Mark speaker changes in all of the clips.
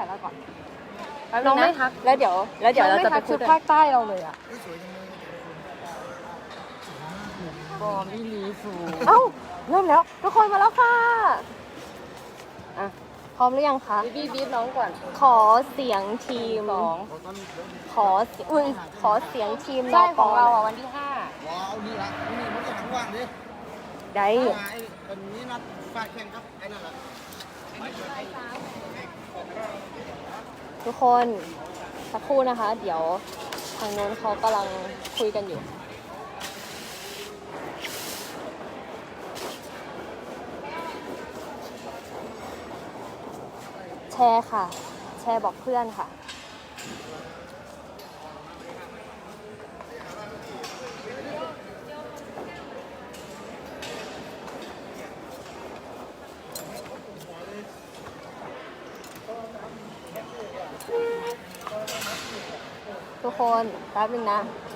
Speaker 1: แล้วก่อน
Speaker 2: น้องไม่ทักแล้วเดี๋ยวเราจะไปคุ
Speaker 1: ชุ
Speaker 2: ย
Speaker 1: ดภาคใต้เราเลยอ่ะ
Speaker 2: บอมอีลีฟู
Speaker 1: เอ้าเริ่มแล้วทุกคนมาแล้วค่ะ
Speaker 2: อ่ะ
Speaker 1: พร้อมหรือยังคะ
Speaker 2: บีบน้องก่อน
Speaker 1: ขอเสียงทีมขอเสียงทีม
Speaker 2: ใช่
Speaker 1: น
Speaker 2: ของเรา
Speaker 1: ป
Speaker 2: อ่ะวันที่
Speaker 3: ว้าวนี่ละนี่มันจะทั้งวันดิ
Speaker 1: ได้
Speaker 3: ไอ้อันนี้นัดฝากแข่งครับไอ้นั่นแหละ
Speaker 1: ทุกคนสักครู่นะคะ เดี๋ยวทางโน้นเขากำลังคุยกันอยู่ แชร์ค่ะ แชร์บอกเพื่อนค่ะ ทุกคนแป๊บนึงนะ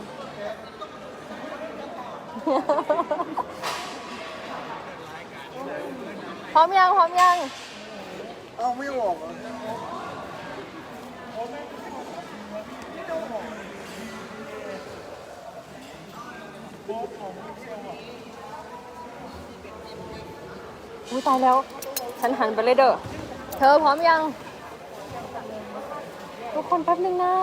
Speaker 1: พร้อมยัง พร้อมยัง
Speaker 3: เอาไม่ออกเหรอ
Speaker 1: อุ้ยตายแล้ว ฉันหันไปเลยเด้อ เธอพร้อมยัง ทุกคนแป๊บนึงนะ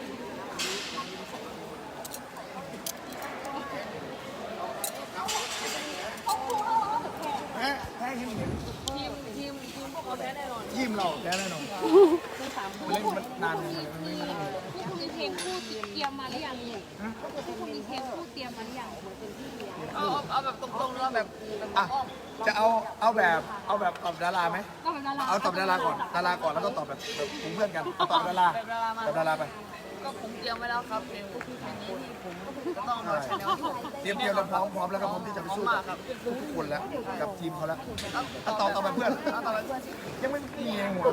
Speaker 3: แพ้พวกเราแพ้แน่นอนทีมเราแพ้แน่นอนเล่นมันนานมันไม่ได้
Speaker 4: ที่คุณมีเพลงคู่เตรียมมาหรือยังที่คุณมีเพลงคู่เตรียมมาหรือยัง
Speaker 5: เอาแบบตรงๆแล้วแบบ
Speaker 3: อ่ะจะเอาแบบตอบดาราไหม
Speaker 4: ก็แบบดารา
Speaker 3: เอาตอบดาราก่อนแล้วก็ตอบแบบกลุ่มเพื่อนกันเอาตอบดาราตอบดาราไป
Speaker 5: ก็ผมเตรียมไว้แล้วครับเพลงนี้ที่ผมจะต้องมาชแนล
Speaker 3: เตรียมแล้วพร้อมแล้วก็พร้อมที่จะไปสู้กับทุกคนแล้วกับทีมเขาแล้วตอบแบบเพื่อน
Speaker 5: เอาต่อไปเพื่อนสิ
Speaker 3: ยังไม่มีในหัวเลย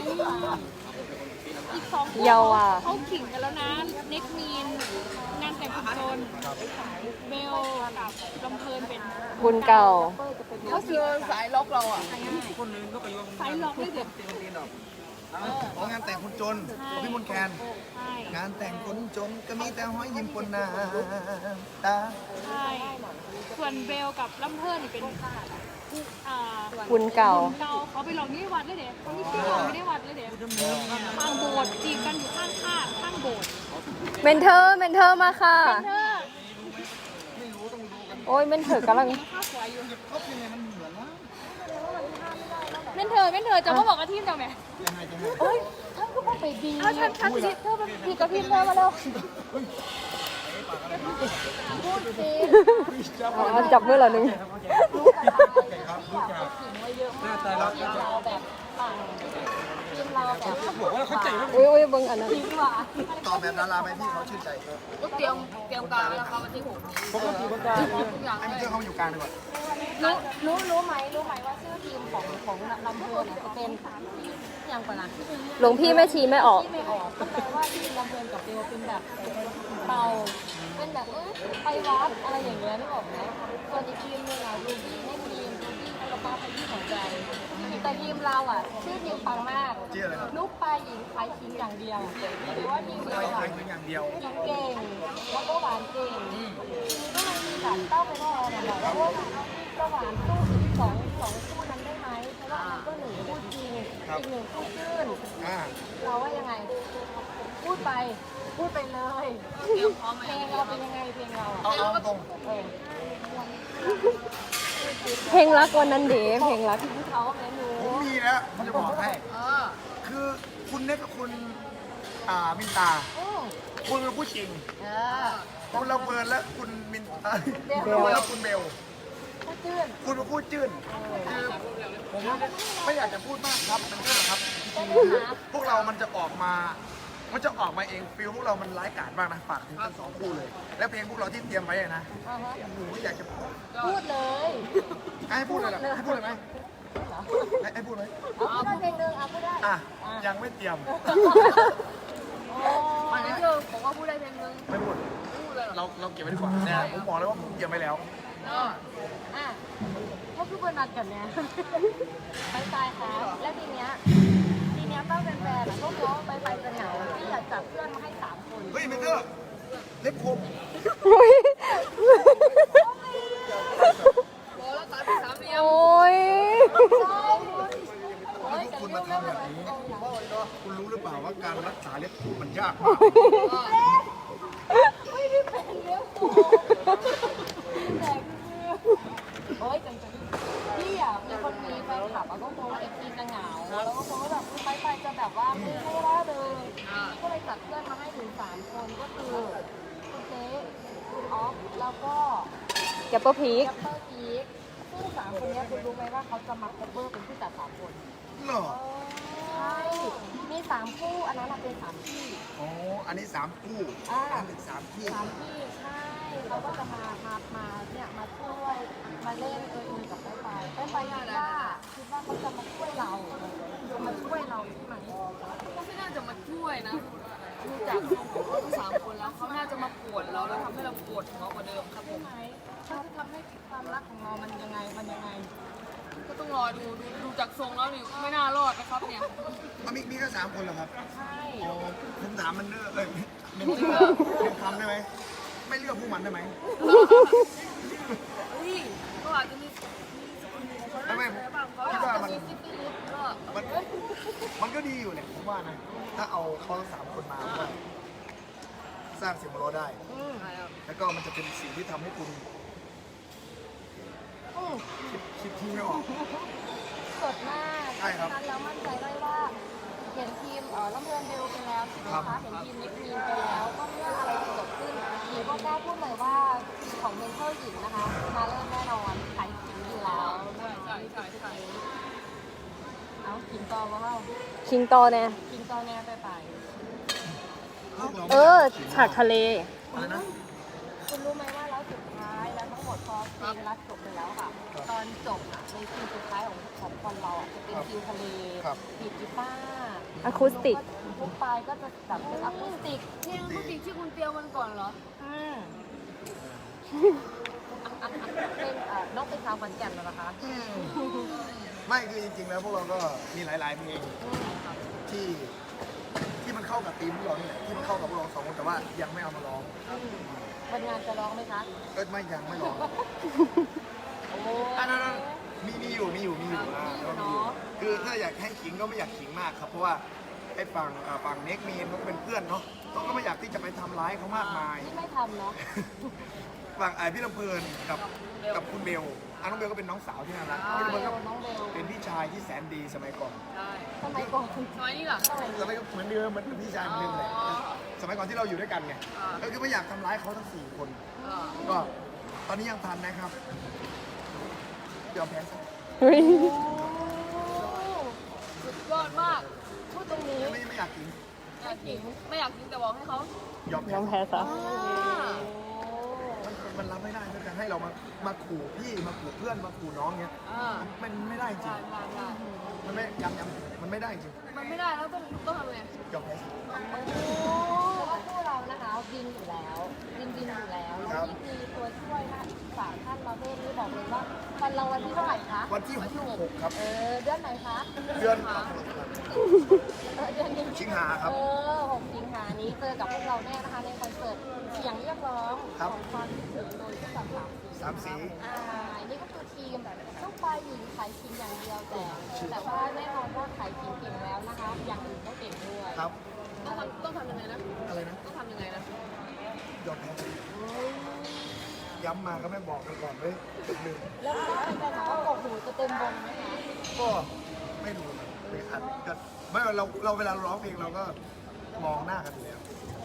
Speaker 4: อีกสองคู่
Speaker 1: เยาวอ่ะ
Speaker 4: เขาขิงกันแล้วนะเน็กมีนงานแต่งคุณโจนเบลกับลำเพลินเป็น
Speaker 1: บุญเก่า
Speaker 5: ก็คือสายล็อกเราอ่ะ
Speaker 4: สายล็อกเลยเด็ด
Speaker 3: ของงานแต่งคนจนของพี่มนต์แคน
Speaker 4: ใช่
Speaker 3: งานแต่งคนจนก็มีแต่ห้อยยิ้มปนน้ำตา
Speaker 4: ใช่ส่วนเบลกับลำเพลินนี่เป็น
Speaker 1: บุญเก่า
Speaker 4: เก่าเขาไปลองที่วัดเลยเด็ดคนที่ที่ลองไม่ได้วัดเลยเด็ดข้างโบสถ์จีบกันอยู่ข้างโบสถ์
Speaker 1: เมนเทอร์มาค่ะ
Speaker 4: เธอ
Speaker 1: โอ้ยเมนเทอร์กำลัง
Speaker 4: ข้าวสวยอยู่
Speaker 3: เขาเป็นไงมันเหมือนนะ
Speaker 4: เม่นเธอจะมาบอกกับทีมเจ้าไหม
Speaker 3: ยังไง
Speaker 1: โอ้ยท่านก็ต้องไปดี
Speaker 4: เอาฉันสิเธอเป็น
Speaker 1: พี่กับพี่เธอมาแล้วพูดจับมือเหรอหนึ่ง อุ้ยเบิ้งอันนั้น
Speaker 3: ตอบแบบดาราไหมพี่เขาชื่นใจ
Speaker 5: ก็เตรียมการไว้แล้วครับวันที่6นี้
Speaker 3: ปกติคนกลาง
Speaker 5: ทุกอย่าง
Speaker 3: ไอ้เจ้าเขาอยู่กลางดีกว่า
Speaker 2: รู้ไหมว่าชื่อทีมของลำเพลินเนี่ยจะเป็นอย่างก่อนนะ
Speaker 1: หลวงพี่แม่ชีไม่ออก
Speaker 2: ที่ไม่ออกก็แปลว่าทีมลำเพลินกับเบลเป็นแบบเบาเป็นแบบไปวัดอะไรอย่างเงี้ยนึกออกไหมส่วนอีกทีมนึงอ่ะรูบี้ให้ทีมรูบี้ให้เราบ้าไปที่หัวใจแต่ทีมเราอ่ะชื่อทีมปังมาก
Speaker 3: ชื่ออะไรครับ
Speaker 2: ลูกปลาหญิงขายคิงอย่างเดียวหรือว่าทีม
Speaker 3: ไป
Speaker 2: เรา
Speaker 3: ไป
Speaker 2: อ่ะ
Speaker 3: ถึงอย่างเดียว
Speaker 2: เก่งแล้วก็หวานเก่งก็เลยมีแบบเต้าไปแทนแบบว่าจะหวานสู้อีกสองคู่นั้นได้ไหมเพราะว่ามันก็หนึ่งคู่จริงอีกหนึ่งคู่ชื่น
Speaker 3: อ่า
Speaker 2: เราว่ายังไง พูดไปเลย
Speaker 5: เตรียมพร้อมไหม
Speaker 2: เพลงเราเป็นยังไงเพลงเรา
Speaker 3: เอาตรง
Speaker 1: เพลงรักวันนั้นเด๋เพลงรัก
Speaker 2: ที่เขาแม่หนู
Speaker 3: ผมมีแล้วผมจะบอกให้
Speaker 5: อ
Speaker 3: คือคุณเน็กกับคุณมินตา คุณเป็นผู้จริง คุณลำเพลินและคุณมินและคุณเบล
Speaker 2: พูดจื้น
Speaker 3: คุณเป็นผู้จื้นคือผมไม่อยากจะพูดมากครับมันก็ครับจริงๆพวกเรามันจะออกมาเองฟิลพวกเรามันร้ายกาจมากนะฝากถึงทั้งสองคู่เลย และเพลงพวกเราที่เตรียมไว้นะโอ้โหอยากจะพูด
Speaker 2: พูดเลย
Speaker 3: ให้พูดเลยเหรอให้พูดเลยไหมให้พูดไหม
Speaker 2: พูดได้เพลงหนึ่งพูดได้
Speaker 3: อ่ะยังไม่เตรียม
Speaker 5: ไม่ได้เจอผมก็พูดได้เพลงนึง
Speaker 3: ไม่พูด
Speaker 5: พูดเลยเหรอ
Speaker 3: เราเก็บไว้ดีกว่าเนี่ยผมบอกเลยว่าผมเตรียมไว้แล้ว
Speaker 2: อ่ะก็คือเบอร์นัดกันเนี่ยไปตายค่ะแล้วทีเนี้ยเต้าเป็นแฟนก็กลัวว่าไปจะเหงาพี่อยากจับเพื่อนมาให้3 คน
Speaker 3: เฮ้ยเมนเทอร์เล็บคม
Speaker 1: อุ๊ย
Speaker 5: โอ้แล้วสามเป็นสามเหลี่ยม
Speaker 1: โอ้ย
Speaker 3: ถ้าพวกคุณมาทำแบบนี้คุณรู้หรือเปล่าว่าการรักษาเล็บคมมันยากมาก
Speaker 2: ไม่ได้เป็นเลี้ยวโแต่โอ้ยจังพี่อ่ะมีคนมีแฟนคลับก็กลัวว่าFTจะเหงาแล้วก็กลัวว่าแบบไปจะแบบว่าไม่ได้เลยก็เลยจัดเพื่อนมาให้ถึง3 คนก็คือคุณเจ๊คุณออฟแล้วก็
Speaker 1: แกปเปอร์พีค
Speaker 2: แกปเปอร์พีคซึ่ง3 คนนี้คุณรู้ไหมว่าเขาจะมาคัฟเวอร์เป็นผู้จัด3 คน
Speaker 3: เหรอ
Speaker 2: ใช่มี3 คู่อันนั้นเป็น3 ที่
Speaker 3: อ๋ออันนี้3คู่อันนี้3ที่
Speaker 2: 3 ที่ใช่เขาก็จะมาเนี่ยมาช่วยมาเล่นกับไปคิดว่าเขาจะมาช่วยเราใช่ไหม
Speaker 5: เขาไม่น่าจะมาช่วยนะดูจากทรงของเขาทั้ง3 คนแล้วเขาน่าจะมาปวดเราแล้วทำให้เราปวดหัวกว่าเดิมครับผม
Speaker 2: เขาจะทำให้ความรักของเรามันยังไง
Speaker 5: ก็ต้องรอดูจากทรงแล้วนี่ไม่น่ารอดนะครับเนี่ย
Speaker 3: มีแค่3 คนเหรอครับ
Speaker 2: ใช่
Speaker 3: อ๋อผมถามมันเนอเมนเทอร์เป็นคำได้ไหมไม่เลือกพวกมันได้ไหม
Speaker 5: เฮ้ยก็อาจจะมี
Speaker 3: ไม่คิดว่ามันก็ดีอยู่เนี่ยผมว่านะถ้าเอาเขาทั้ง3 คนมาก็สร้างเสียงหัวเราะได้ แล้วก็มันจะเป็นสิ่งที่ทำให้คุณคิดที่ไม่ออก
Speaker 2: สดมาก
Speaker 3: ใช่ครับ
Speaker 2: ฉะนั้นเรามั่นใจได้ว่าเห็นทีมลำเพลินเบลไปแล้วใช่ไหมคะเห็นทีมนิกมีนไปแล้วก็เมื่ออะไรเกิดขึ้นหญิงก็กล้าพูดเลยว่าทีมของเมนเทอร์หญิงนะคะมาเริ่มแน่นอนขายขิงอยู่แล้ว
Speaker 5: ใช่
Speaker 2: เอาขิงต่อว่า
Speaker 1: คิงโตเนี่ย
Speaker 2: ขิงต่อแน่ไป
Speaker 1: ฉากทะเล
Speaker 3: อะไรนะ
Speaker 2: คุณรู้ไหมว่าแล้วสุดท้ายแล้วทั้งหมดพอเพลงรักจบไปแล้วค่ะตอนจบในซีนสุดท้ายของคนเราจะเป็นฟิวทะเลดีดกีตาร์
Speaker 1: อะคูสติก
Speaker 2: ทุกปลายก็จะแบบเป็นอะคูสติก
Speaker 5: เพลงเขาติดที่คุณเตียวมันก่อนเหรอ
Speaker 2: เป็นน้องเป็นสาวขอนแก่นแล้วนะคะ
Speaker 3: ไม่คือจริงๆแล้วพวกเราก็มีหลายๆเพลงที่มันเข้ากับธีมพวกเราเนี่ยที่มันเข้ากับพวกเรา2 คนแต่ว่ายังไม่เอามาร้อง
Speaker 2: วันงานจะร้องไหมคะ
Speaker 3: ก็ยังไม่ร้อง
Speaker 2: โอ้
Speaker 3: อันนั้นมีอยู่คือถ้าอยากให้ขิงก็ไม่อยากขิงมากครับเพราะว่าไอ้ฝั่งเน็กมีนเขาก็เป็นเพื่อนเนาะเขาก็ไม่อยากที่จะไปทำร้ายเขามากมาย
Speaker 2: ที่ไม่ทำเนาะ
Speaker 3: ฝั่งพี่ลำเพลินกับคุณเบลน้องเบลก็เป็นน้องสาวที่น่ารักพี่ลำเพลินก็
Speaker 2: น้องเบล
Speaker 3: เป็นพี่ชายที่แสนดีสมัยก่อน
Speaker 5: ใช่
Speaker 2: สมัยก่อน
Speaker 5: สมัยนี้เหรอ
Speaker 3: สมัยก็เหมือนเดิมเหมือนพี่ชายเหมือนเดิมเลยสมัยก่อนที่เราอยู่ด้วยกันไงก็คือไม่อยากทำร้ายเขาทั้ง4 คนก็ตอนนี้ยังทันนะครับยอมแพ้ซะ
Speaker 5: สุดยอดมาก
Speaker 2: พูดตรงนี้
Speaker 3: ไม่อยากกิน
Speaker 5: ไม่อยากกินแต่บอกให้เขา
Speaker 3: ยอม
Speaker 1: ยอม
Speaker 3: แพ้
Speaker 1: แพ้ซะ
Speaker 3: มันรับไม่ได้ถ้าจะให้เรามาขู่พี่มาขู่เพื่อนมาขู่น้องเงี้ยมันไม่ได้จริงมันไม่มันไม่ได้จริง
Speaker 5: มันไม่ได้แล้วต้องทำไง
Speaker 3: ยอมแพ้ซะ
Speaker 2: เพราะว่าคู่เรานะคะบินอยู่แล้วบินอยู่แล้วแล้วนี่คือตัวช่วยนะ3 ท่านประเภทนี้บอกเลยว่าวันเราวันที่เท่าไหร่คะ
Speaker 3: วันที่6ครับ
Speaker 2: เดือนไหนคะ
Speaker 3: เดือน
Speaker 2: เดือนนี้
Speaker 3: สิงหาครับ
Speaker 2: 6 สิงหานี้เจอกับพวกเราแน่นะคะในคอนเสิร์ตเสียงเรียกร้องของความคิดถึงโดยผู้กำกับ
Speaker 3: 3 สี
Speaker 2: นี่ก็คือทีมลูกปลายหญิงขายคิงอย่างเดียวแต่ว่าแน่นอนว่าขายคิงเก่งแล้วนะคะอย่างอื่นก็เก่งด้วย
Speaker 3: ครับ
Speaker 5: ต้องทำยังไงนะ
Speaker 3: อะไรนะ
Speaker 5: ต้องทำยังไงนะ
Speaker 3: ยอมแพ้ย้ำมาก็ไม่บอกกันก่อนเลยลืม
Speaker 2: แล้วก็เป็นแบบว่ากบหูจะเต็มวงไหมคะ
Speaker 3: ก็ไม่รู้ไม่อัดก็ไม่เราเวลาร้องเพลงเราก็มองหน้ากันอยู่แล้ว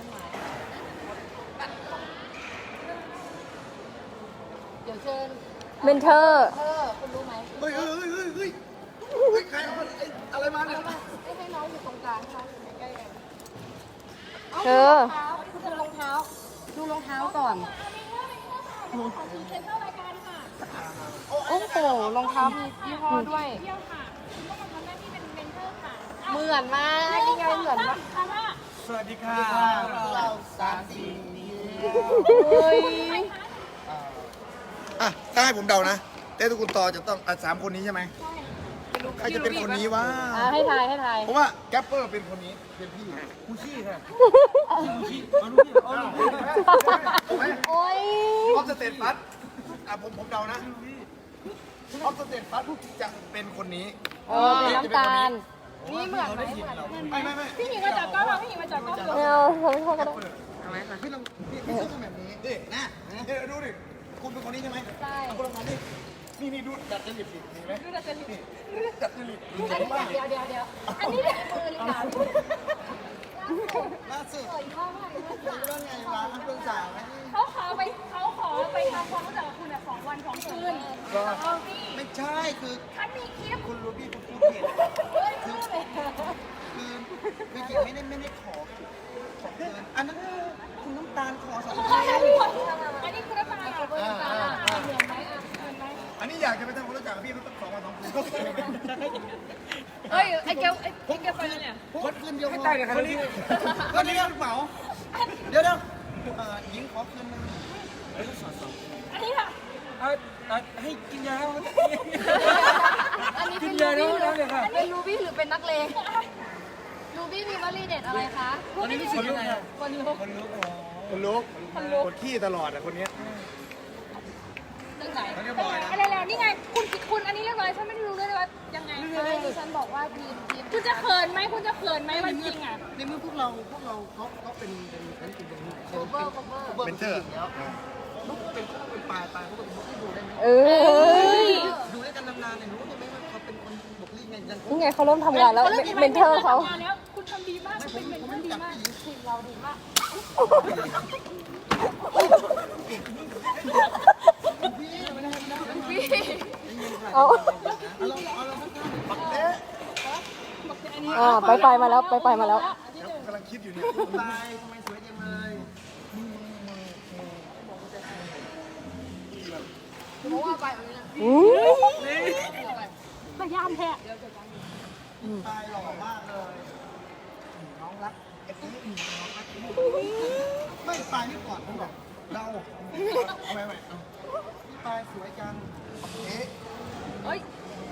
Speaker 2: เดี๋ยวเชิญ
Speaker 1: เมนเทอร์
Speaker 2: คุณรู้ไหม
Speaker 3: เฮ้ยใครเอาอะไรมาเนี่ย
Speaker 2: ให้น้องอยู่ตรงกลางค่ะใกล้ๆกัน
Speaker 1: เธอ
Speaker 2: คุณดูรองเท้าดูรองเท้าก่อนโอ้โหรองเท้ามียี่ห้อด้วย
Speaker 4: เที่ยวค่ะคุณต้องมาทำหน้าที่เป็นเมนเทอร์ค่ะ
Speaker 2: เหมือนมากนี่ไงเหมือนมาก
Speaker 3: สวัสดีค่ะเรา3 สี
Speaker 2: เฮ้ย
Speaker 3: ถ้าให้ผมเดานะเต้ทุกคนต่อจะต้อง3 คนนี้ใช่ไหม
Speaker 2: ไม่รู้
Speaker 3: ใครจะเป็นคนนี้วะ
Speaker 1: ให้ทายให้ทาย
Speaker 3: เพราะว่าแกปเปอร์เป็นคนนี้เป็นพี่กูชี่ค่ะ
Speaker 1: โอ้ย
Speaker 3: ออฟสเตทฟัสผมเดานะออฟสเตทฟัสจะเป็นคนนี้
Speaker 1: เป็นน้ำตาล
Speaker 2: นี่เหมือนไหม
Speaker 3: ไม่
Speaker 4: พี่หญิงมาจากกล้องพี่หญิงมาจากกล้อง
Speaker 1: ไม่เอาทำโทษก็ได้
Speaker 3: พี่ลองพี่ซื้อแบบนี้ดินะเดี๋ยวดูดิคุณเป็นคนนี้ใช่ไหมใช่คุณลองทำดินี่ดูดัดจริตสิมีไหมดูดัดจริตดัดจริต
Speaker 2: เดี๋ยวอันนี้เนี่ยมือลิกา
Speaker 3: ล่าสุดว่าไงวะคุณสาวไหม
Speaker 4: เขาขอไปทำความรู้จักกับคุณ2 วัน2 คืนพี่
Speaker 3: ไม่ใช่คือ
Speaker 4: ฉันมีคลิป
Speaker 3: คุณรู้พี่คุณพูดผิดคือจริงไม่ได้ขอเกินอันนั้นคุณน้ำตาลขอสอง
Speaker 4: อันนี้คือน้ำตาลเหมือนไหมเหมือนไหม
Speaker 3: อันนี้อยากจะไปทำความรู้จักกับพี่ต้อง2 วัน 2 คืนก็เคยไหม
Speaker 4: เอ้ยไอ้แก้วไปเนี่ย
Speaker 3: วันคืนเดียวให้ตายเลยครับวันนี้เหมาเดี๋ยวหญิงขอคืนนึง
Speaker 4: อันนี้ค่ะ
Speaker 6: ให้กินยาครับ
Speaker 2: อันนี้เป็นรูบี้หรือเป็นรูบี้หรือเป็นนักเลงรูบี้มีวลีเด็ดอะไรคะ
Speaker 6: ตอนนี้รู้สึกยังไง
Speaker 2: คนลุก
Speaker 3: คนลุกกดขี้ตลอดอ่ะคนนี้
Speaker 2: เรื่องไหน
Speaker 4: อะไรแล้วนี่ไงคุณอันนี้เรียบร้อยฉันไม่รู้เลยว่ายังไง
Speaker 2: ไม่ดิฉันบอกว่าทีม
Speaker 4: คุณจะเขินไหมคุณจะเขินไหมวันจริงอ่ะ
Speaker 3: ในเมื่อพวกเราเขาเป็นอันนี้เป็น
Speaker 2: โคเวอร์
Speaker 3: เป็นเตอร์ลูกเป็นปลายเขาเป็นบุกลี่ดูได้ไหม
Speaker 1: เอ้ย
Speaker 3: ดูด้วยกันนานๆเนี่ยรู้ได้ไหมว่าเขาเป็นคนบุกลี่ไงยัง
Speaker 1: นี่ไงเขาเริ่มทำงานแล้วเมนเทอร์เขา
Speaker 4: แล้วคุณทำดีมากคุณเป็นเมนเทอร์ดีมาก
Speaker 2: ทีมเราดีมาก
Speaker 1: เอาไปมาแล้วไปมาแล้ว
Speaker 3: กำลังคิดอยู่เนี่ยตายทำไมสวยจังเลย
Speaker 2: เพราะว่าไปแบบนี้นะ
Speaker 4: พยายามแท้
Speaker 3: ตายหล่อมากเลยน้องรักไอ้นี่น้องรักไม่ตายนี่ก่อนผมบอกเราเอาไปพี่ตายสวยจังเอ๊ะ
Speaker 4: เอ้ย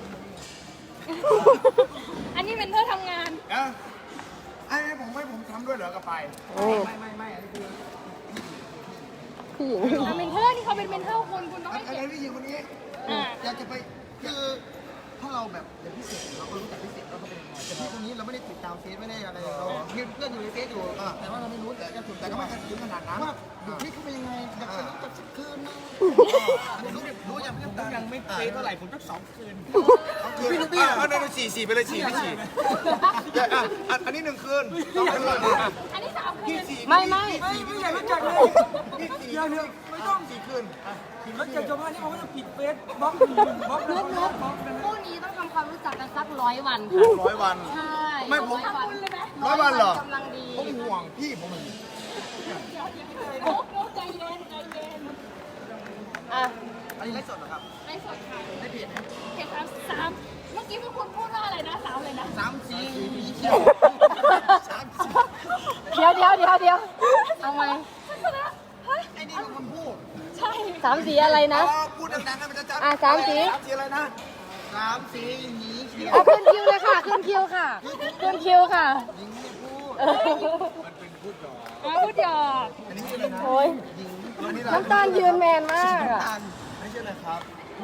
Speaker 4: อันนี้เมนเทอร์ทำงาน
Speaker 3: ไอ้ผมทำด้วยเหรอกับไปไม่อันนี้คือ
Speaker 1: พี่หญิง
Speaker 4: เมนเทอร์นี่เขาเป็นเมนเทอร์คุณต้อง
Speaker 3: อั
Speaker 4: ให้
Speaker 3: น
Speaker 4: เกียร
Speaker 3: นี้
Speaker 4: ติ
Speaker 3: พี่หญิงคนนี้อยากจะไปคือถ้าเราแบบเรียนพิเศษเราก็รู้จักพิเศษว่าเขาเป็นยังไงแต่ตรงนี้เราไม่ได้ติดตามเฟซไม่ได้อะไรเรามีเพื่อนอยู่ในเฟซอยู่แต่ว่าเราไม่รู้แต่ก็ไม่ถึงขนาดนั้นว่าอยู่ที่เขาเป็นยังไงอยากจะรู้จักสักคืนนึงรู้อย่างพี่ตั้งยังไม่เฟซเท่าไหร่ผมสัก2 คืนพี่ลูกพี่เอาใน4 ไปเลย4ไม่4อันนี้1 คืน2 คืน
Speaker 4: อันนี้3 คืน
Speaker 1: ไม่
Speaker 6: ไม่อยากรู้จักเลย
Speaker 3: เดี๋ยวไม่ต้อง4 คืน
Speaker 6: แล้วจากชาวบ้านนี่เขาก็จะปิดเฟซบล็อกแล้ว
Speaker 2: คู่นี้ต้องทำความรู้จักกันสัก100 วันค่ะ
Speaker 3: 100 วัน
Speaker 2: ใช่
Speaker 3: ไม่ผม
Speaker 2: 100 วัน
Speaker 3: 100 วันเหรอก
Speaker 2: ำลังดี
Speaker 3: ผมห่วงพี่ผม
Speaker 4: โอ้ใจเย็นใจเย็น
Speaker 1: อ่ะ
Speaker 3: อันนี้ไลฟ์สดเหรอครับ
Speaker 4: ในสดค่ะ
Speaker 3: ไม่ผิดนะ
Speaker 4: เห็น3เมื่อกี้พวกคุณพูดว่าอะไรนะ3เลยนะ
Speaker 3: 3 สีเขียว3 สี
Speaker 1: เดี๋ยวเอาไหม
Speaker 3: ไอ้นี่เป็นคนพูด
Speaker 4: ใช่
Speaker 1: 3 สีอะไรนะ
Speaker 3: พูดดังๆให้มันจะจำ
Speaker 1: 3 สี
Speaker 3: 3 สีอะไรนะ3 สีหนีเขียว
Speaker 1: ขึ้นคิวเลยค่ะขึ้นคิวค่ะขึ้นคิวค่ะ
Speaker 3: หญิงไม่พูด มันเป็นพูดหรอ
Speaker 4: พูดหยอก
Speaker 3: อันนี้ชื่ออะไรนะ
Speaker 1: โอ้ย
Speaker 3: หญิงอันนี้
Speaker 1: น้ำตาลยืนแมนมากอ่ะ
Speaker 3: ไม่ใช่อะไรครับ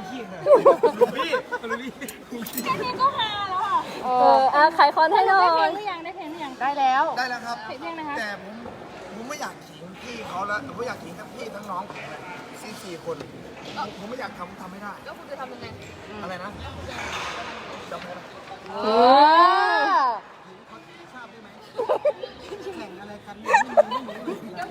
Speaker 4: แค่นี้ก็ฮาแล้วอ่ะ
Speaker 1: ขายคอนให้หน่อ
Speaker 4: ได้เพล
Speaker 1: ย
Speaker 4: งหรือยังได้เพลงหรือยัง
Speaker 1: ได้แล้ว
Speaker 3: ได้แล้วครับ
Speaker 4: เพลงนะคะ
Speaker 3: แต่ผมไม่อยากขิงพี่เขาแล้วผมไม่อยากขิงทั้งพี่ทั้งน้องผมเลย4 คนผมไม่อยากทำไม่ได้
Speaker 2: แล้วคุณจะทำยังไง
Speaker 3: อะไรนะจำได้ไหม ทราบได้ไหมแข่งอะไรกันเนี่ยไม่รู้เลย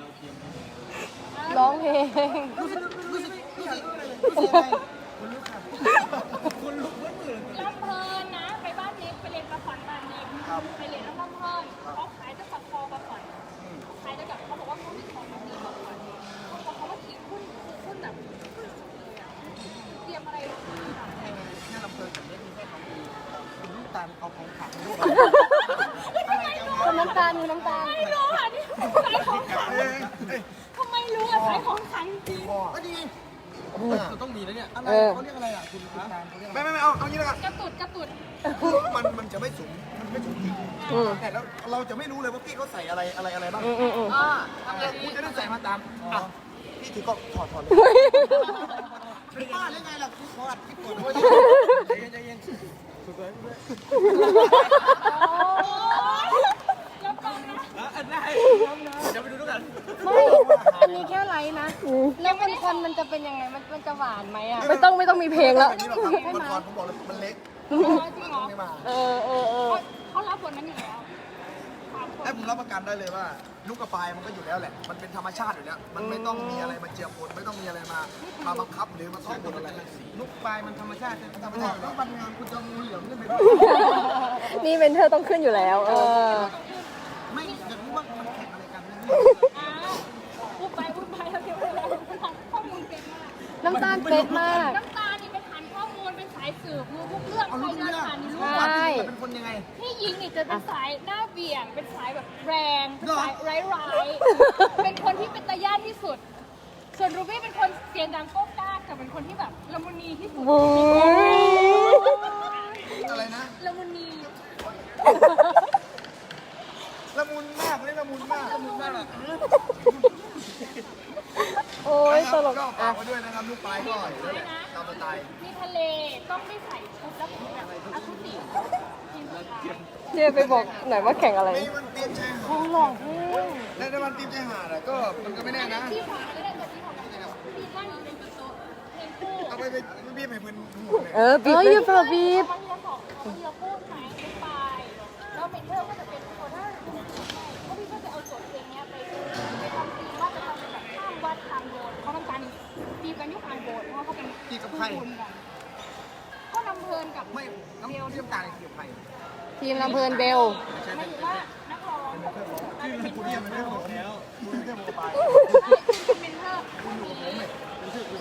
Speaker 1: ร้องเพลง
Speaker 3: รู้สึกอะไรคนลุกค่ะคนลุกเมื่อมื่น
Speaker 4: ลำเพลินนะ ไปบ้านนิกไปเรียนประขวัญบ้านนิกไปเรียนน้ำลำเพลินเขาขายจะสับคอประขวัญขายจะแบบเขาบอกว่าเขามีของดีประขวัญพอเขามาขี่หุ้นแบบเตรียมอะไรลงมา
Speaker 3: แค่ลำเพลินกับเล็กมีแค่ของดีคุณลูกตาลเอาของขังลูก
Speaker 1: คนน้ำตาลมีน้ำตาล
Speaker 4: ไม่รู้อ่ะนี่ขายของขังทำไมรู้อ่ะขายของขังจริง
Speaker 3: ก็ดี
Speaker 6: เราต้องมีแล้วเนี่ยอะไร
Speaker 1: เออ
Speaker 6: เขาเรียกอะไรอ่ะคุณตาลเขาเรียกอะไร
Speaker 3: ไม่เอางี้แล้วกัน
Speaker 4: กระตุด
Speaker 3: คือมันจะไม่สูงจริง
Speaker 1: อืม
Speaker 3: แต่แล้วเราจะไม่รู้เลยว่าพี่เขาใส่อะไรบ้าง
Speaker 1: อืม
Speaker 3: คุณจะได้ใส่มาตามอ่ะพี่ถือกล้องถอดเลยเป็นบ้าได้ไงล่ะกูขออัดคลิปก่อน
Speaker 6: ใจเย็นสุดเลย
Speaker 4: แล้วก็นะ
Speaker 6: ได้เดี๋ยวไปดูด้วยกัน
Speaker 2: ไม่อันนี้แค่ไลฟ์นะ แล้วคนมันจะเป็นยังไง มันจะหวานไหมอ่ะ
Speaker 1: ไม่ต้องมีเพลงแล้ว
Speaker 3: แบบนี้หรอกครับมันก่อนผมบอกเลยมันเล็ก
Speaker 4: จริงเหรอ
Speaker 3: ไม่มา
Speaker 1: เออ
Speaker 4: เขารับบทนั้นอยู่แล้ว
Speaker 3: ให้ผมรับประกันได้เลยว่าลูกกระปายมันก็อยู่แล้วแหละ มันเป็นธรรมชาติอยู่แล้ว มันไม่ต้องมีอะไรมาเจือปนไม่ต้องมีอะไรมาบังคับหรือมาท่องบทอะไร
Speaker 6: ลูกปลายมันธรรมชาติ
Speaker 3: ธรรมชาติแล้วมันงานคุณจะงูเหลือมขึ้นไปด้วย
Speaker 1: นี่เมนเทอร์ต้องขึ้นอยู่แล้ว เออ
Speaker 3: ไม่อยากรู้ว่ามันแข่งอะไรกัน
Speaker 4: อ้าวพูดไปแล้วเดี๋ยวเราทำข้อมูลเป็นมาก
Speaker 2: น้ำตาลเป๊ะมาก
Speaker 4: น้ำตาลนี่เป็นฐานข้อมูลเป็นสายสืบรู้ทุกเรื่อง
Speaker 3: เอา
Speaker 4: ใคร
Speaker 3: ลูก
Speaker 4: เดิน
Speaker 3: เรื่อง
Speaker 4: ผ่านนี่รู้
Speaker 2: ใช่
Speaker 3: เป็นคนยังไง
Speaker 4: พี่ยิงนี่จะเป็นสายหน้าเบี่ยง เป็นสายแบบแรงเป็นสายร้ายๆเป็นคนที่เป็นตาย่านที่สุด ส่วนรูบี้เป็นคนเสียงดังโก๊กก้ากแต่เป็นคนที่แบบละมุนีที่สุด
Speaker 1: บู๊
Speaker 3: อะไรนะ
Speaker 4: ละมุนี
Speaker 3: ละมุนมากเลยละมุนมากละมุนมาก
Speaker 1: โอ้ยตลก
Speaker 3: ก็ฝา
Speaker 1: อ่ะ
Speaker 3: กไว้ด้วยนะครับลูกปลายก็อยู่แล้วแหละตามสไตล์
Speaker 4: มีทะเลต้องไม่ใส่ชุดแล้วผมแบบอาคุติทีมสุดท้าย
Speaker 1: เจ๊ไปบอกหน่อยว่าแข่งอะไร
Speaker 3: ในวันเตรียมชายหาด
Speaker 2: หลอกเพลง
Speaker 3: ในวันเตรียมชายหาดอะก็มันก็ไม่แน่นะ
Speaker 4: ที่ขวาก็ได้แต่ที่ขวาก็ได้ที่นั่งอยู่เป็นโต๊ะเพลงคู่
Speaker 3: เอาไปพี่ไปเพื่อนหูเลย
Speaker 1: เออบีบอย่าเพิ่งบีบ
Speaker 4: มันจะบอกมันจะพูดไหมไปแล้วเมนเทอร์ก็จะเป็นคนถ้าเพราะพี่ก็จะเอาโจทย์เพลงเนี้ยไปทำตีว่าจะทำเป็นแบบข้ามวัดทางโบสถ์เขาต้องการตีกันยุคทางโบสถ์เพราะว่าเขาเป็น
Speaker 3: ที่กับใคร
Speaker 4: คนกันก็นำเพลินกับ
Speaker 3: ไม่น้ำเทียมตาเกี่ยวใคร
Speaker 1: ทีมลำเพลินเบล
Speaker 4: หมายถึงว่านักร้องกับ
Speaker 3: ที่คุณเทียมไม่ได้บอกแล้วคุณเทียมบอกไป
Speaker 4: เป็นเมนเทอร์คนนี้เมนเทอร์คือ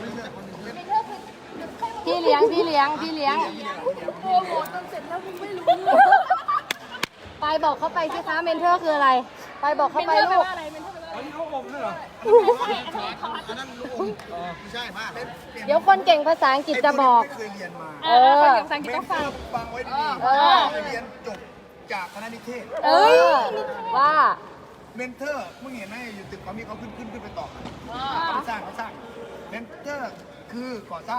Speaker 2: พี่เลี้ยง
Speaker 4: โปรโมทจนเสร็จแล้วมึงไม่รู้
Speaker 2: ไปบอกเขาไปสิคะเมนเทอร์คืออะไร ไปบอกเขา
Speaker 4: เมน
Speaker 2: ไป
Speaker 4: เทอร์แปล
Speaker 2: ลูก
Speaker 4: ว่าอะไรเมนเทอร์แปลว่าอะไร
Speaker 6: อันนี้เขาอมด้วยเหรอ
Speaker 4: ไม่ใช่อันนี้คอร์ส
Speaker 3: อันนั้นลูกอมไม่ใช่มาก
Speaker 2: เดี๋ยวคนเก่งภาษาอังกฤษจะบอก
Speaker 3: ไม่เคยเรียนมา
Speaker 4: คนกับสังกฤษต้องฟัง
Speaker 3: ฟังไว้ดี
Speaker 2: เออ
Speaker 3: ๆเรียนจบจากคณะนิเทศ
Speaker 2: เอ้ยว่า
Speaker 3: เมนเทอร์มึงเห็นไหมอยู่ตึกเขามีเขาขึ้นไปต่อเขาสร้างเมนเทอร์คือก่อสร้าง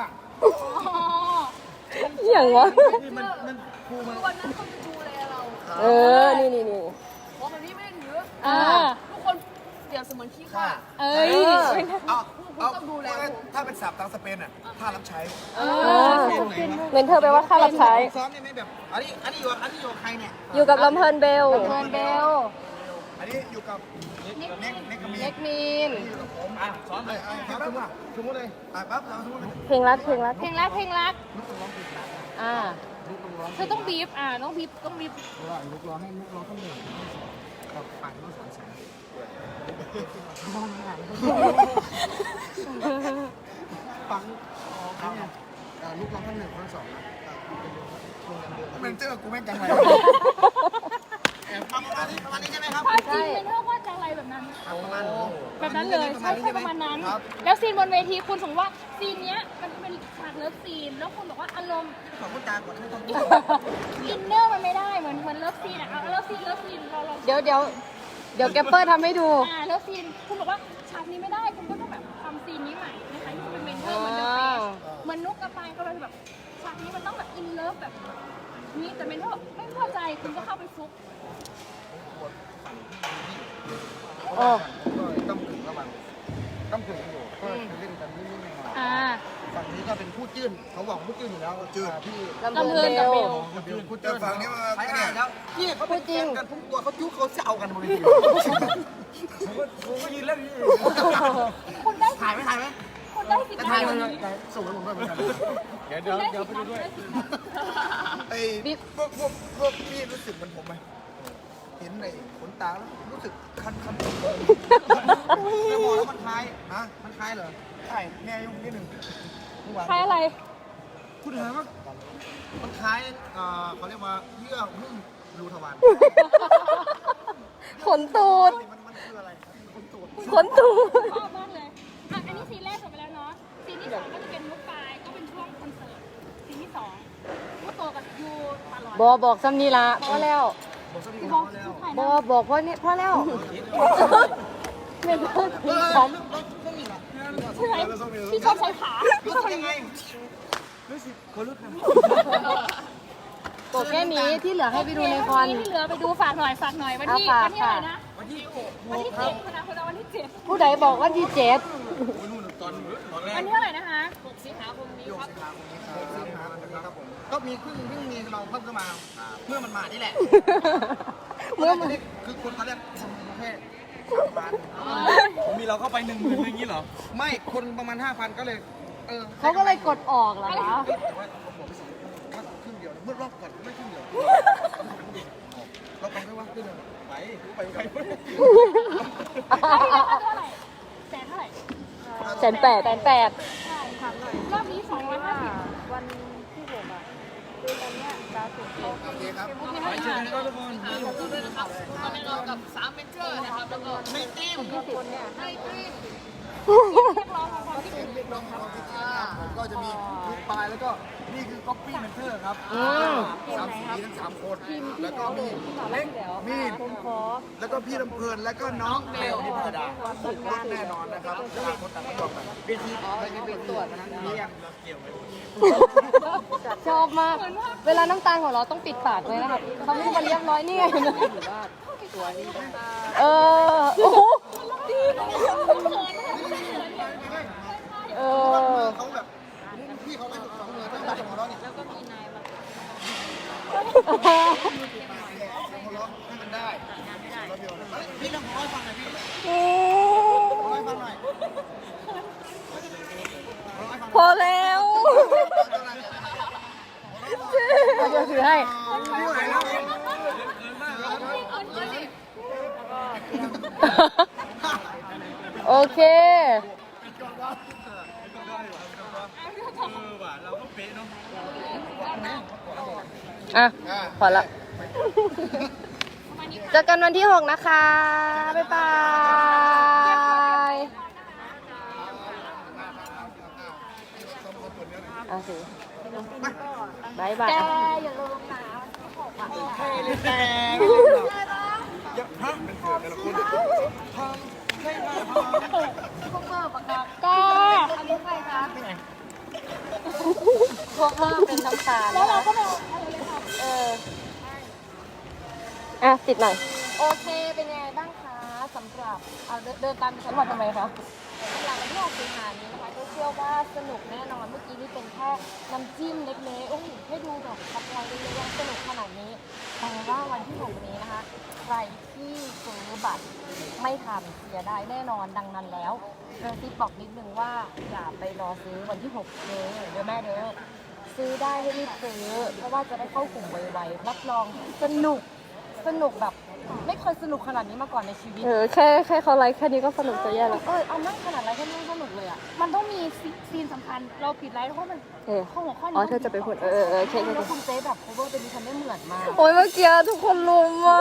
Speaker 1: อย่างวะ
Speaker 3: นี่มันครูมัน
Speaker 5: วันนั้นเขาจะดูแลเรา
Speaker 1: เออ นี่
Speaker 5: เพราะมันนี่ไม่ได้ถือ
Speaker 1: อ่า
Speaker 5: ทุกคนเปรียบเสมือนขี้ข้า
Speaker 1: เอ้ย
Speaker 3: เอาถ้าเป็นศัพท์ทางสเปนอ่ะท่ารับใช้
Speaker 1: เมนเทอร์แปลว่าค่ารับใช้
Speaker 3: ซ้อมได้ไหมแบบอันนี้อยู่กับใครเนี่ย
Speaker 1: อยู่กับลำเพลินเบล
Speaker 2: เทิร์นเบล
Speaker 3: อันนี้อยู่กับเน็กกับมี
Speaker 2: เล็กมีน
Speaker 3: อยู่กับผมซ้อมเลยครับสมมติเลยปั๊บเราสมมติ
Speaker 1: เพลงรัก
Speaker 4: เพลงรัก
Speaker 3: ลูกต้องร้องเพลงรัก
Speaker 1: อ่า
Speaker 3: ลูกต้องร้อง
Speaker 4: เธอต้องบีบต้องบีบ
Speaker 3: ลูกร้องให้ลูกร้องข้างหนึ่งกับปั่นลูกสองแสนปังเนี่ยลูกร้องข้างหนึ่งข้างสองมันเจอกูแม่งจังไรประมาณนี้ใช่ไหมครับ
Speaker 4: ภาพจริงเมนเทอร์ว่าจะอะไรแบบนั้น
Speaker 3: ประมาณ
Speaker 4: แบบนั้นเลยใช่ประมาณนั้น แล้วซีนบนเวทีคุณสมมติว่าซีนเนี้ยมันเป็นฉากเลิฟซีน แล้วคุณบอกว่าอารมณ์
Speaker 3: ขอพูดจาก่อนให้ทำ
Speaker 4: อินเนอร์มันไม่ได้เหมือนเลิฟซีนอะเลิฟซีนเรา
Speaker 2: เดี๋ยวแกปเปอร์ทำให้ดู
Speaker 4: เลิฟซีนคุณบอกว่าฉากนี้ไม่ได้คุณก็ต้องแบบทำซีนนี้ใหม่นะคะที่เป็นเมนเทอร์เหมือนเดิมเหมือนนุกกระปายก็เลยแบบฉากนี้มันต้องแบบอินเลิฟแบบนี้แต่เมนเทอร์ไม่พอใจคุณก็เข้าไปฟุก
Speaker 1: โอ้
Speaker 3: ก็ต้องถึงระหว่างต้องถึงอยู่ก็เล่นกันนิดๆหน่อยฝั่งนี้ก็เป็นผู้จื้นเขาบอกผู้จื้นอยู่แล้วจื้นที่
Speaker 1: ลำเพลินเบล
Speaker 3: ผู้จื้นฝั่งนี้มาเนี่ยแล้วนี่เขาพูดจริงกันทุกตัวเขาจุ๊เขาจะเอากันบนเวทีผมก็ยืนเล่นนี่
Speaker 4: คุณได้
Speaker 3: ถ่ายไหม
Speaker 4: คุณได้สิทธิ์
Speaker 3: ถ่าย
Speaker 4: ได้
Speaker 3: มันส่งให้ผมด้วยเหมือนกัน
Speaker 6: เดี๋ยวไปดูด้วย
Speaker 3: ไอ้พวกพี่รู้สึกเหมือนผมไหมเห็นในขนตาแล้วรู้สึกคันแล้วมองแล้วมันคล้ายฮะมันคล้ายเหรอใช่แม่ยุ่งนิดนึง
Speaker 4: ใครอะไร
Speaker 3: คุณถามว่ามันคล้ายเขาเรียกว่าเยื่อหุ้มรูทวาร
Speaker 1: ขนตูด
Speaker 3: มันคืออะไรขนตูด
Speaker 1: ขนตูด
Speaker 4: ชอบมากเลยอันนี้ซีนแรกจบไปแล้วเนาะซี
Speaker 1: บอกซ้ำนี่ละพอแล้ว
Speaker 3: บอกสักทีครับแล้ว
Speaker 1: บอกพอนี่พอแล้วไม่พูดถึงฉัน
Speaker 4: ใช่ไหมที่ชอบใช้ขา
Speaker 3: รู้สึกยังไง
Speaker 6: รู้สึกคนลุกนะ
Speaker 1: บอกแค่นี้ที่เหลือให้ไปดูในคอน
Speaker 4: ที่เหลือไปดูฝากหน่อยวันที่
Speaker 1: ฝาก
Speaker 4: วันที่อะไรนะ
Speaker 6: วันที่
Speaker 4: วันที่7คนนะวันที่7
Speaker 1: ผู้ใดบอกว่าที่เจ็ด
Speaker 3: นู่นตอนแรก
Speaker 4: วันที่เท่าไหร่นะคะ
Speaker 5: 6 สิงหาคมนี้ครับ
Speaker 3: ครับผมก็มีเพิ่งมีเราเพิ่มเข้ามาเมื่อมันมานี่แหละ
Speaker 1: เมื่อมัน
Speaker 3: คือคนเขาเรียกคนประเภท3,000
Speaker 6: มีเราเข้าไป10,000อย่างนี้เหรอ
Speaker 3: ไม่คนประมาณ 5,000 ก็เลย
Speaker 1: เขาก็เลยกดออกเหรอคะ
Speaker 3: แต่ว่าผมบอกไปสิว่าครึ่งเดียวเมื่อรอบก่อนไม่ครึ่งเดียวเราไปไม่ว่าครึ่งเดียวไป
Speaker 4: ที่แล้วเท่าไหร่แสนเท่าไหร่
Speaker 1: 1,800,000
Speaker 4: รอบนี้250
Speaker 3: โอเคครับ
Speaker 6: ไปเจอกันครับทุกคน
Speaker 5: ขอบคุณด้วยนะครับตอนนี้เรากับ3เมนเจอร์นะครับแล้วก็
Speaker 3: ในทีม
Speaker 5: ให้ทีม
Speaker 3: ผมก็จะมีลูกปลายแล้วก็นี่คือก๊อปปี้เมนเทอร์ครับสามสีทั้ง3 คนแล้วก็มีเล็กมีดแล้วก็พี่ลำเพลินแล้วก็น้องเบลนิพดาสุดยอดแน่นอนนะครับต่างคนต่างไม่ยอมกันเวทีเป็นตรวจนั้นเรียง
Speaker 1: ชอบมาก เวลาน้ำตาลของเราต้องปิดปากเลยนะครับเขาไม่มาเรียบร้อยนี่ไงโอ้โห
Speaker 3: เขาแบบพี่เขาไม่ถูกต้องเลยต้องมาหัวเราะนี่แล้วก็มีนายมาหัวเราะให้มันได้พี่ลองหัวเราะฟังหน่อยพี่หัวเราะฟังหน่อย
Speaker 1: พอแล้วเราจะถือให้
Speaker 3: ไม่ไหวแล้ว
Speaker 1: โอเค
Speaker 6: เราก็เป๊ะเนาะ
Speaker 1: อ่ะ พอละ เจอกันวันที่ 6 นะคะ บ๊ายบายอ่ะสิบายบาย
Speaker 4: อย่าลืมนะ
Speaker 3: แต่ยังฮะเป็นเสือแต่ละคนทำให้มาพอ
Speaker 1: ก็อันนี้ใครคะพวกเราเป็นน้ำตาล
Speaker 4: แล้วเราก็ไป
Speaker 1: อ่ะ ติดหน่อย
Speaker 2: โอเค เป็นยังไงบ้างคะสำหรับเอาเดินตามดิฉันมาทำไมคะสำหรับวันที่6 สิงหานี้นะคะก็เชื่อว่าสนุกแน่นอนเมื่อกี้นี่เป็นแค่น้ำจิ้มเล็กๆโอ้โหให้ดูแบบสปอยล์เยอะๆยังสนุกขนาดนี้แต่ว่าวันที่6นี้นะคะใครที่ซื้อบัตรไม่ทันเสียดายแน่นอนดังนั้นแล้วกระซิบบอกนิดนึงว่าอย่าไปรอซื้อวันที่6เลยเดี๋ยวแม่เด้อซื้อได้ให้รีบซื้อเพราะว่าจะได้เข้ากลุ่มไวๆรับรองสนุกแบบไม่เคยสนุกขนาดนี้มาก่อนในชีวิต
Speaker 1: แค่เขาไลค์แค่นี้ก็สนุกจะแย่แล้ว
Speaker 2: เอานั่งขนาดไรแค่นี้สนุกเลยอ่ะ
Speaker 4: มันต้องมีซีนสำคัญเราผิดไลฟ์เพราะมัน ข้อหัวข้อนี้
Speaker 1: อ๋อ เธอจะไปพูดโอเค
Speaker 2: แล้วคุณเจ๊แบบโคเวอร์เป็นดิฉันได้เหมือนมาก
Speaker 1: โอ้ยเมื่อกี้ทุกคนรุมอ่ะ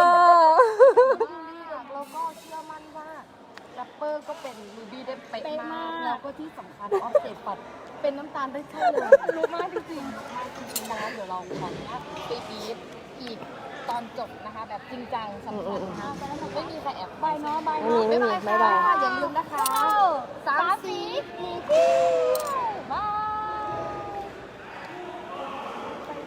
Speaker 2: แล้วก็เชื่อมั่นว่าแรปเปอร์ก็เป็นรูบี้ได้เป๊ะมาก แล้วก็ที่สำคัญออฟเซตปัดเป็นน้ำตาลได้ใช่เลยรู้มากจริงๆมากจริงๆนะเดี๋ยวเราขออนุญาตไปบีบอีกตอนจบนะคะ แบบจริงจังสำคัญนะคะไม่มีใครแอบไปเนาะบายเนาะ
Speaker 1: ไม่มี
Speaker 2: บ๊ายบาย
Speaker 1: บ๊ายบาย
Speaker 2: ค่ะอย่าลืมนะคะ3 สี